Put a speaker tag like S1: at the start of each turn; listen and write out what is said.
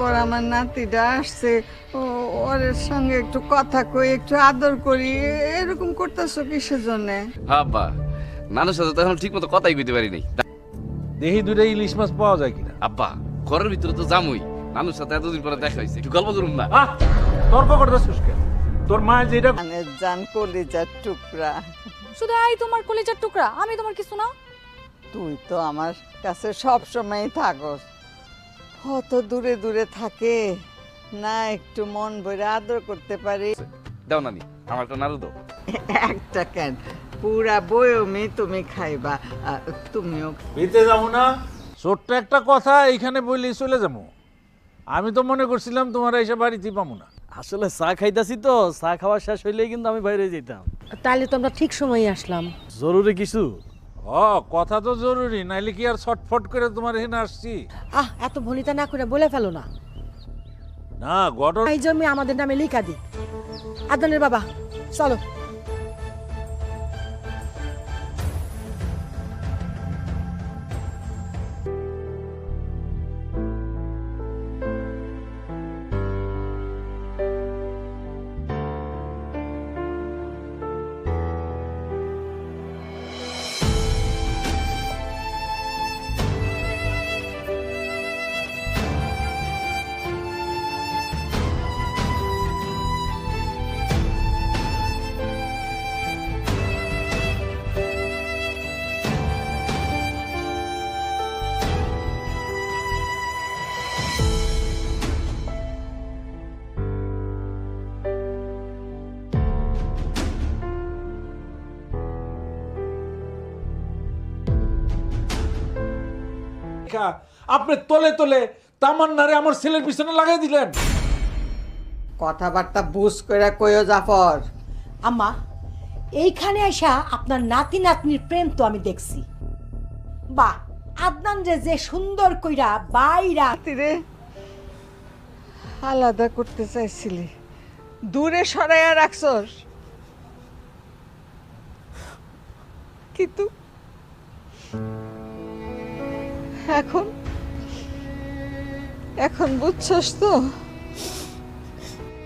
S1: পর আমার নাতিটা আসছে, ওর সঙ্গে একটু কথা কই, একটু আদর করি, এরকম করতেছো কিসের জন্যে?
S2: আব্বা, নানুর সাথে তো এখন ঠিক মতো কথাই কইতে পারি নাই।
S3: দেখি দুইটা ইলিশ মাছ পাওয়া যায় কিনা।
S2: আব্বা, ঘরের ভিতরে তো জামুই, নানুর সাথে এতদিন পরে দেখা হয়েছে, একটু গল্প করুন না।
S3: তর্ক করতেছিস কেন? তোর মা যেটা
S1: মানে জান কলিজার টুকরা,
S4: শুধু এই তোমার কলিজার টুকরা, আমি তোমার কিছু না।
S1: তুই তো আমার কাছে সব সময় থাকস, কত দূরে দূরে থাকে না, একটু মন ভরে আদর করতে পারি।
S2: দাও নানি, আমার একটা নাড়ু দাও।
S1: একটা কেন, পুরা বয়মে তুমি খাইবা, তুমিও।
S3: বেঁচে যাবো না, ছোট্ট একটা কথা এইখানে বললেই চলে যাবো। আমি তো মনে করছিলাম তোমার এসে বাড়িতেই পাবো না।
S5: আসলে চা খাইতাছি তো, চা খাওয়া শেষ হইলেই কিন্তু আমি বাইরে যেতাম।
S6: তাহলে তো আমরা ঠিক সময়ে আসলাম।
S5: জরুরি কিছু?
S3: কথা তো জরুরি, নাইলে কি আর ছটফট করে তোমার এখানে আসছি?
S6: এত ভনিতা না করে বলে ফেলো না।
S3: না, ঘটনা
S6: এই জমি আমাদের নামে লিখা দি। আদনের বাবা, চলো।
S3: আপনি তলে তলে তামান্নারে আমার ছেলের পিছনে লাগাই দিলেন।
S1: কথাবার্তা বুঝ করে কইও জাফর।
S6: আম্মা, এইখানে আইসা আপনার নাতি নাতনির প্রেম তো আমি দেখছি। বাহ, আদনান যে সুন্দর কইরা বাইরা।
S1: রে আলাদা করতে চাইছিলি, দূরে সরাইয়া রাখছস, কিন্তু এখন বুঝছস তো